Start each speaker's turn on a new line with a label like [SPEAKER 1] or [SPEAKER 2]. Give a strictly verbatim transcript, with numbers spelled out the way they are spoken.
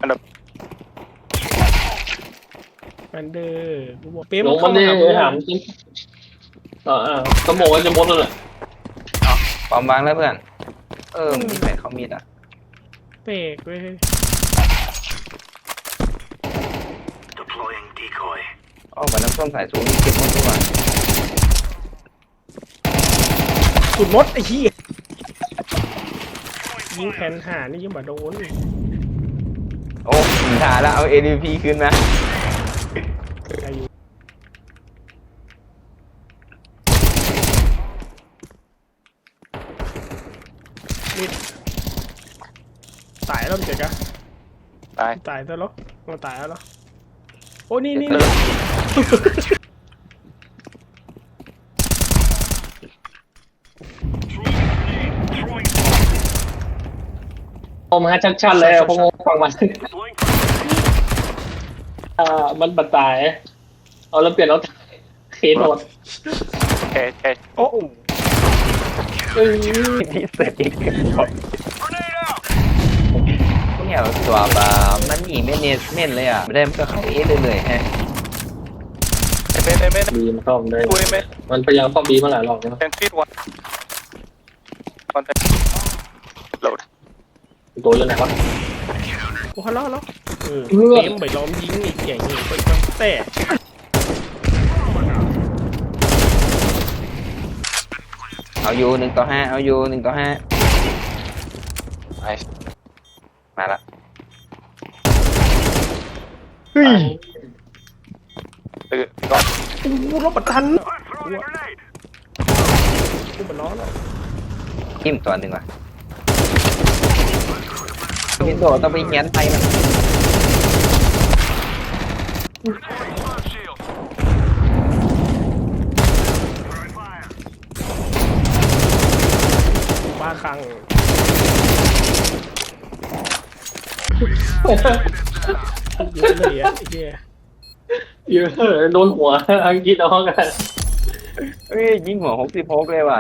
[SPEAKER 1] อันดับ
[SPEAKER 2] แมนเดอร์กูบอกเป๊ะ
[SPEAKER 3] ล
[SPEAKER 2] มัน
[SPEAKER 3] ง
[SPEAKER 2] เข้า
[SPEAKER 3] มา
[SPEAKER 2] มา
[SPEAKER 3] ดิ
[SPEAKER 2] หากู
[SPEAKER 3] ถามจริงอ่าสมองมันจะหมดเลย
[SPEAKER 4] ความบางแล้วเพื่อนเออมีแผนเขามีดอ่ะ
[SPEAKER 2] เปกเว้ย
[SPEAKER 4] อ๋อเหมือนน้ำส้มสายสูงเก็บหมดทุกวัน
[SPEAKER 2] สุดมดไอ้ขี้ยยิงแขนหานี่ยังบ่โดน
[SPEAKER 4] โอ้ถ่าแล้วเอา เอ ดี พี ขึ้นนะ
[SPEAKER 2] อายุนี่ตายแล้วมันเจ๊กะ
[SPEAKER 1] ตาย
[SPEAKER 2] ตายแล้วเหรอมันตายแล้วเหรอโอ้นี่นี่
[SPEAKER 1] เอ
[SPEAKER 2] นี่
[SPEAKER 1] อ
[SPEAKER 3] ผมมาชัดๆเลยผมฟังมันอ่ามันบัดตายเอาแล้วเปลี่ยนแล้วเคสโดด
[SPEAKER 1] แค่แค่
[SPEAKER 2] โอ้
[SPEAKER 3] เอ้ย
[SPEAKER 4] ที่เสร็จอีกเนี่ยตัวบามันหนีเม่นเนสเม่นเลยอ่ะไม่ได้มันก็เข้าเอเรื่อยๆฮะ
[SPEAKER 1] ไอ้เมนไอ้เมน
[SPEAKER 3] บีมันเข้าได้
[SPEAKER 1] คุยเมน
[SPEAKER 3] มันพยายามเข้าบีมาหลายรอบแล้ว
[SPEAKER 1] แคนฟีดวันคอนแทคโหลด
[SPEAKER 3] ตัวอยู่ไหนวะ
[SPEAKER 2] โหฮัลโหลฮัลโหลเออ
[SPEAKER 3] เออ
[SPEAKER 2] เกมไปล้อมยิงอีกอย่างนี้เป็นตั้งแต่
[SPEAKER 4] เอาอยู่หนึ่งต่อห้าเอาอยู่หนึ่งต่อห้า
[SPEAKER 1] ไอ้
[SPEAKER 4] มาละ
[SPEAKER 2] เฮ้ย
[SPEAKER 1] ตื่นก่อน
[SPEAKER 2] โอ้โหรบประทันกูมันล้อแล้ว
[SPEAKER 4] ทิมตัวหนึ่งว่ะวินโดว์ต้องไปเขียนไปมัน
[SPEAKER 2] บ้าคลั่งเยอะเลยอ่ะไอ้เหี้ย
[SPEAKER 3] เยอะโดนหัวอังกฤษเอากัน
[SPEAKER 4] เอ้ยยิงหัวหกสิบหกเลยว่ะ